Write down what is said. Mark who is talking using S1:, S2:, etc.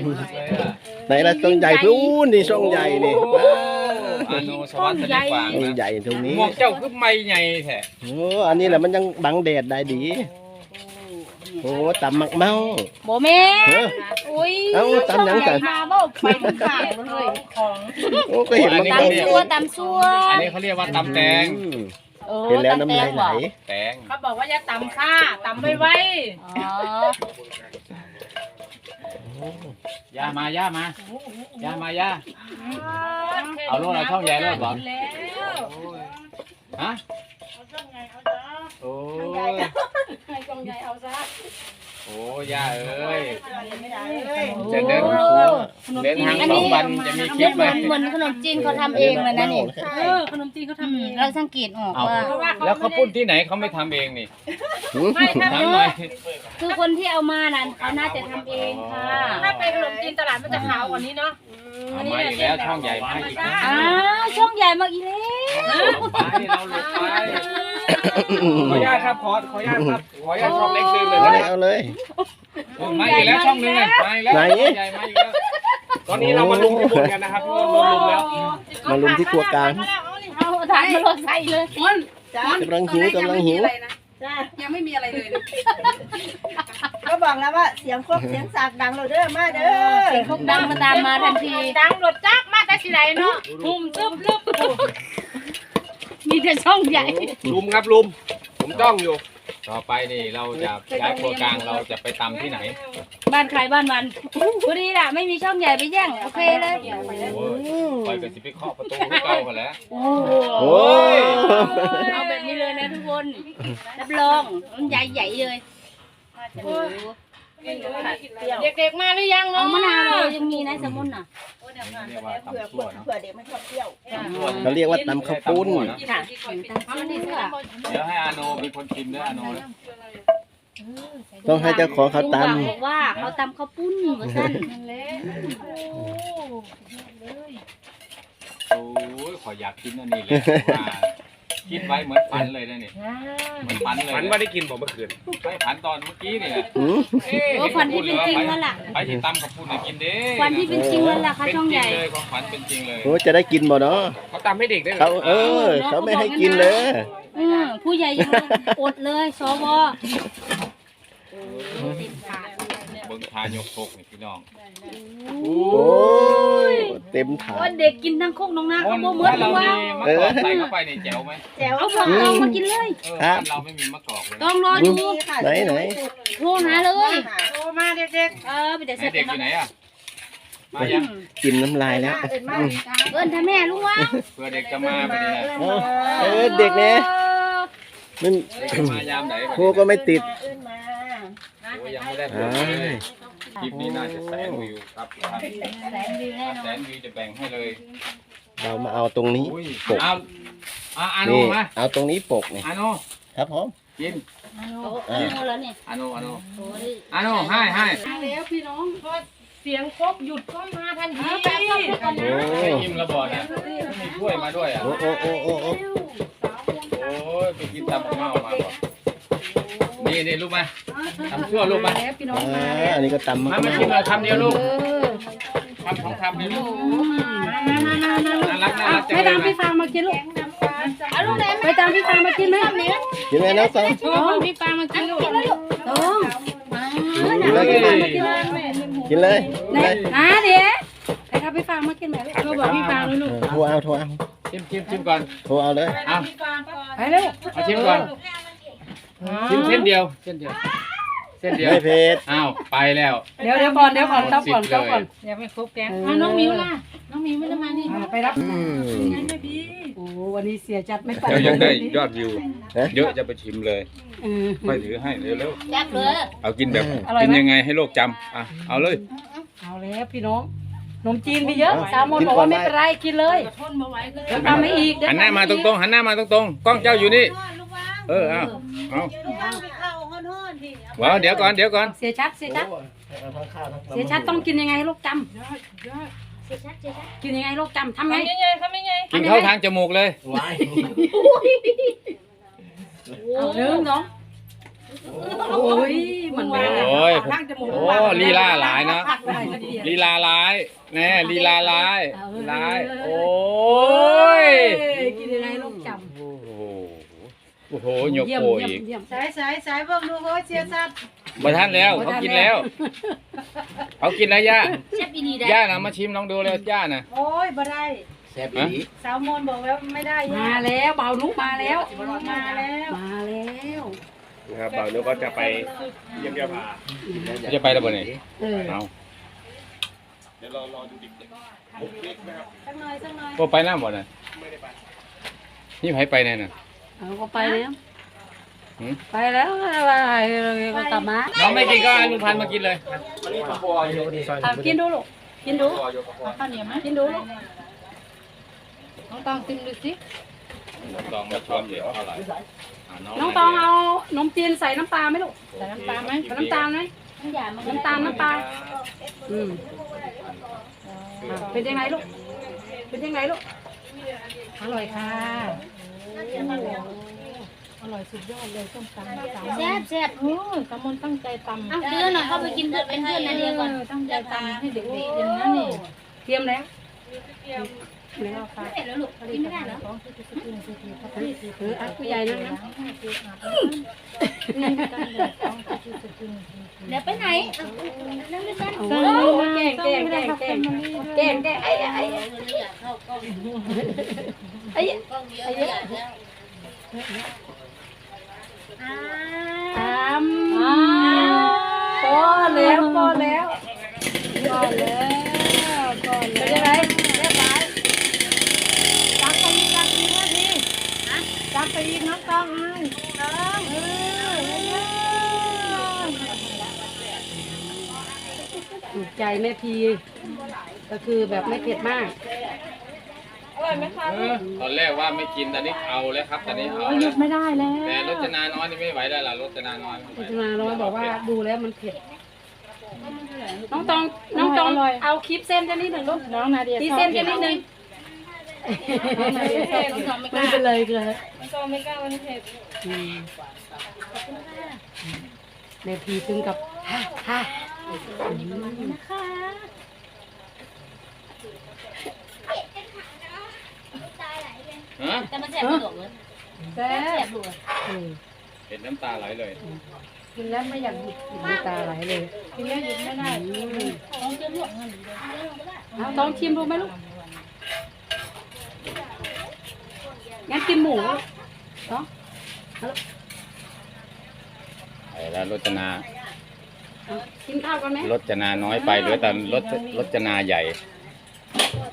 S1: ไหนละช่องใหญ่พูนนี่ช่องใหญ่นี่
S2: อาโนสวัสดิ์ดีกว่า
S1: ช่องใหญ่ตรงนี้
S2: หมวกเจ้าคือไม่ใหญ่แท้
S1: โอ้อันนี้แหละมันยังบังแดดได้ดีโอ้ตำหมักเมา
S3: โบแม่
S1: เฮ้ย
S3: อุ้ย
S1: เอ้าตำหยังกัน
S3: มาบ่ไปทุกข้างเลยของ
S1: โอ้ก็เห็นมัน
S3: ตำซัวตำซัว
S2: อันนี้เขาเรียกว่าตำแตง
S1: เห็นแล้วน้ำลายไหล
S2: แตง
S4: เขาบอกว่าอย่าตำข้าตำไว้
S3: อ๋อ
S2: ย่ามาย่ามาย่ามาย่าเอาลูกเราช่องใหญ่แล้วบอก
S4: แล้ว
S2: ฮะ
S4: เอาช่องไงเอาจ้า
S2: โอ้ย
S4: ให้ช่องใหญ่เอาซะ
S2: โอ้ย่าเอ้ย
S4: ไม่ได้เลย
S2: จะเดินเดินทาง2 วันจะมีคลิปไหม
S3: เหมือนขนมจีนเขาทำเองเลยนะนี่
S4: ขนมจีนเขาทำเอง
S3: เราสังเกตออก
S2: เอา
S3: ว่า
S2: แล้วเขาปุ้นที่ไหนเขาไม่ทำเองนี่
S4: ไม่ถ้า
S2: ถามหน่อย
S3: คือคนที่เอามานั้นเขาน่าจะทำเองค่ะ
S4: ถ้าเป็นขนมจีนตลาดมันจะขาวกว่านี้เนาะ
S2: เอามาอีกแล้วช่องใหญ่มาอีกแล้ว
S3: อ้าวช่องใหญ่มากอีแล้ว
S2: ไปเราหลบไปขออนุญาตครับขออนุญาตครับขออนุญาตช่องเล็กซื้อเลย
S1: เอาเลย
S2: มาอีกแล้วช่องนึงเลยมาอีกแล้วใหญ่มาอีกแล้วตอนนี้เรามาลุมที่บนกันนะครับลุมแล้ว
S1: มาลุมที่ครัวกลาง
S3: เอาถ่ายมาลงใส่เลย
S1: กำลังหิวกำลังหิว
S4: ยังไม่มีอะไรเลย
S5: ก็บอกแล้วว่าเสียงครกเสียงสากดังเราเด้อมาเด้อ
S3: เสียงพวกดังมาตามมาทันที
S4: ดังรถจักมาแต่สิไหนเนาะหุ่มซึมซึม
S3: มีแต่ช่องใหญ่
S2: ลุมครับลุมผมจ้องอยู่ ต่อไปนี่เราจะย้ายครัวกลางเราจะไปตำที่ไหน
S3: บ้านใครบ้านมันพอดีล่ะไม่มีช่องใหญ่ไปแย่งโอเคเลย
S2: โอ้ยคอยกันสิไปเคาะประตูให้เก่ากันแล้ว
S3: โอ้
S1: โอ้ย
S3: เอาแบบนี้เลยนะทุกคนรับรองมันใหญ่ๆเลยโอ้โห
S4: เด็กๆมาหรือยัง
S3: เอา
S4: เนาะ
S3: มะนาวเลยยังมีนะสมุนน่ะ
S2: เรียกว่า
S5: เผื่อ
S2: ตำชั่วเนาะ
S5: เผื่อเด็กไม่ชอบเปรี้ยว
S1: เขาเรียกว่าตำข้าวปุ้น
S3: ค่ะเอามาดิเสื้อ
S2: เดี๋ยวให้อาโนมีคนชิมด้วยอาโนนะ
S1: ต้องให้เจ้าของเขาต
S3: บอกว่าเขาตำข้าวปุ้นว่าสั้น
S2: โอ้ยขออยากกินอันนี้เลยว่าคิดไว้เหมือนฝันเลยนะนี่เหมือนฝันเลย
S6: ฝันว่าได้กินผมเมื่อคืน
S2: ไม่ฝันตอนเมื่อกี้นี่แหละ
S1: ำหืม
S3: โอ้ฟันที่เป็นจริงแล้วล่ะ
S2: ไปที่ตำกับพูดให้กินเด้
S3: ฟันที่เป็นจริงแล้วล่ะค่ะ
S2: เป็น
S3: ช่อง
S2: จริ
S3: ให
S2: ง
S3: ญ่
S2: เลยของฝันเป็นจริงเลย
S1: โอ้จะได้กินบ่เนาะ
S6: เขาตามให้เด็กได้เหร
S1: เขา
S6: อ
S1: เขาไม่ให้กินเลย
S3: ผู้ใหญ่ยังอดเลยสว
S2: เบิ่งทายกโคกนี่พี่น้อง
S1: โอ้ยเต็มถา
S3: ว่า
S1: ด
S3: เด็กกินทั้งโคกน้องนาเขาบ่เหมือน
S2: เรา
S3: ว่า
S2: มีมะกอกใส่เข้าไปนี่แจ๋วไหม
S5: แจ๋ว
S3: เอาผักตองมากินเลย
S2: บ้านเราไม่มีมะกอกเลย
S3: ต้องรอดู
S1: ไหนไหน
S3: โทรหาเลย
S4: โตมาเด็ก
S3: ไปแต่
S2: ไหน
S3: เสร็จ
S2: เด็กอยู่ไหนอ่ะมายัง
S1: กินน้ำลายแล้ว
S3: เอิ้นถ้าแม่ลุงวะ
S2: เพื่อเด็กจะมาพอดีนะ
S1: เด็กเนี่ยมัน
S2: เด็กจะมายามไหน
S1: ครูก็ไม่ติด
S5: ขึ้นมา
S2: โอ้ยังไม่ได้ผล
S1: อ้า
S2: เลย ยคลิปนี้น่าจะแสนวิวครับท่าน
S3: แสนวิวแน่นอ
S2: แส
S3: น
S2: นวิวจะแบ่งให้เลย
S1: เรามาเอาตรงนี้
S2: อุ้ย
S1: ปก
S2: เอาอาโน
S1: นี่
S2: มา
S1: เอาตรงนี้ปกนี่
S2: อาโน
S1: ครับผม
S2: กิน
S3: เอาแล้วเนี่ย
S2: อาโนอาโน
S3: โอ้ย
S2: อาโนให้
S4: แล้วพี่น้องพอเสียงครบหยุดก็มาทันที
S1: โอ้
S2: ไม่อิ่มแล้วบ่เนี่ยมีถ้วยมาด้วยอ่ะ
S1: โอ้โอ้โอ้โอ้โอ้
S2: โอ้ยไปกินตำข้าวเมามาบ่นี่ลูกมาทำชั่วลูกมา
S1: อันนี้ก็ตำมาม
S2: มากินเลยคำเดียวลูกคำของคำเดียวลูกน่ารักจัง
S4: ไป
S2: เล
S4: ตาม
S2: ย
S4: พี่
S2: นะ
S4: ฟางมากินลูก
S3: เอาลูกไหน
S4: ไปตามพี่ฟางมากินไหม
S1: กินไหมน้องสาว
S4: พี่ฟางมากินลูก
S3: ต้องมา
S1: กินเลยกินเลยกินเลย
S4: เดี๋ยวไปครับพี่ฟางมากินไหมลูกบอกพี่ฟางเลยลูก
S1: โทรเอาโทรเอา
S2: ชิมก่อน
S1: โทรเอาเลย
S2: เอา
S4: ไปเร็ว
S2: เอาชิมก่อนชิมเส้นเดียวเส้นเดียว
S1: ไม่เผ็ด
S2: อ้าวไปแล้ว
S4: เดี๋ยวก่อนต้องก่อนยังไม่ครบแกงน้องมิวล่ะน้องมิวไม่ได้มานี่ไปรับ
S1: อืม
S4: โอ้วันนี้เสียจัดไม่ไป
S2: เดี๋ยวยังได้ยอดวิว
S1: ฮะ
S2: เยอะจะไปชิมเลยค่อยถือให้เร็ว
S3: แซ่บเลย
S2: ๆเอากินแบบกินยังไงให้โลกจำอ่ะเอาเลย
S4: เอาแล้วพี่น้องขนมจีนมีเยอะสามมนบอกว่าไม่เป็นไรกินเลยเดี๋ยวทำไม่อีก
S2: หันหน้ามาตรงๆหันหน้ามาตรงๆกล้องเจ้าอยู่นี่เอาว้าวเดี๋ยวก่อน
S4: เสียชัดเสียชัดต้องกินยังไงให้ลูกจำกินยังไงให้ลูกจำทำไง
S2: กินเข้าทางจมูกเลย
S4: เอาหนึ่งสองโอ้ยเหมือนแม่
S2: โอ้ยโอ้ลีลาหลายนะ
S4: อะไรกันเดียว
S2: ลีลาร้ายแน่ลีลาร้ายร้ายโอ้ย
S4: กินยังไงลูกจ
S2: โอ้โหโอ้โหหย
S4: ำ
S2: ก
S4: เยี่ยม
S2: โป
S4: เยี่ยม
S2: อีก
S4: เยี่ยม
S5: สายเบิ่งดูโหเสียชัด
S2: มาท่านแล้วเขากินแล้วเขากินแล้วย่า
S3: แซ่บอีนีได้
S2: ย่านะมาชิมลองดูเลยย่านะ
S5: โอ้ยบ่ได้
S1: แซ่บอีหลี
S5: สาวมนบอกแล้วไม่ได้
S4: มาแล้วเบานุกมาแล้ว
S5: มาแล้ว
S4: มาแล้ว
S2: นะครับบ่าวนุก็จะไปเยี่ยมยาพาจะไปแล้วบ่เนี่ย
S4: เออ
S2: เอา
S5: สักหน่อยสักหน่อย
S2: ก็ไปน้ำบ่น่ะนี่ไผไปแน่น่ะ
S4: เอาก็ไปแล้ว
S2: หืม
S4: ไปแล้วก็กลับมา
S2: น้องไม่กินก็ให้ลุงพันธุ์มากินเลย
S4: เอากินดูลูกกินดู
S3: ข้าวเหนียวไหม
S4: กินดูลูก
S3: น้องตองชิมดูสิ
S2: ลองมาช้อนเดี๋ยวเท่าไหร่
S4: น้องตองเอานมจีนใส่น้ำปลาไหมลูก
S3: ใส่น้ำตาลไหม
S4: ใส่น้ำตาลไหม
S3: น้ำยามันก็
S4: น้ำตาลน้ำปลาอืมเป็นยังไงลูกเป็นยังไงลูก
S3: อร่อยค่ะอร่อยสุดยอดเลยส้มตำแซ่บแซ่บโอ้ยตำมนตั้งใจตำเดือนหน่อยเข้าไปกินเป็นเพื่อนนาเดียก่อนตั้งใจตำให้เด็กๆอย่างนั้นนี่
S4: เตรียมแล้ว
S3: แล้วค่ะเสร็จแล้วลูกกินไม่ได้เหรอ
S4: อัดผู้ใหญ่นั่งนะ
S3: เดี๋ยวไปไหนนั่งด้วยกัน
S4: โอ้แกงแกงแกงแกงแกงแกงไอ้ไอ้ไอ้พอแล้วพอแล้วพอแล้วพอแล้วเป็นยังไงเรียบร้อยจับไปอีกจับไปอีกนาทีจับไปอีกน้องต้องถูกใจแม่พีก็คือแบบไม่เผ็ดมาก
S2: ตอนแรกว่าไม่กินตอนนี้เอาแล้วครับตอนนี้เอา
S4: หยุดไม่ได้แล้ว
S2: แต่รจนาน้อยนี่ไม่ไหวแล้วล่ะรจนาน้อย
S4: พิจารณาน้อยบอกว่าดูแล้วมันเผ็ด น้องตองเอาคลิปเส้นกันนิดหนึ่งลูก
S3: น้องนาเดีย
S4: ตีเส้นกันนิดหนึ่งไม่เป็นไรเลย
S3: มันก็ไม่กล้าวันนี้เผ็ด
S4: แม่พีถึงกับฮ่า
S3: นะคะ
S2: ฮะ
S3: แต่มันแซ่บไม่หลงเลย
S4: แซ่
S3: แซ่
S4: บบ
S3: ดู
S2: เห็นน้ำตาไหลเลย
S4: กินแล้วไม่อยากหยุดน้ำตาไหลเลย
S3: กินแล้วหยุดไม่ได้ต้องเชื่อมหลวงเงิน
S4: เอาต้องชิมดูไหมลูกงั้นกินหมูเนาะ
S2: ไปแล้วรจนา
S4: กินข้าวกันไหม
S2: รจนาน้อยไปเหลือแต่รจนาใหญ่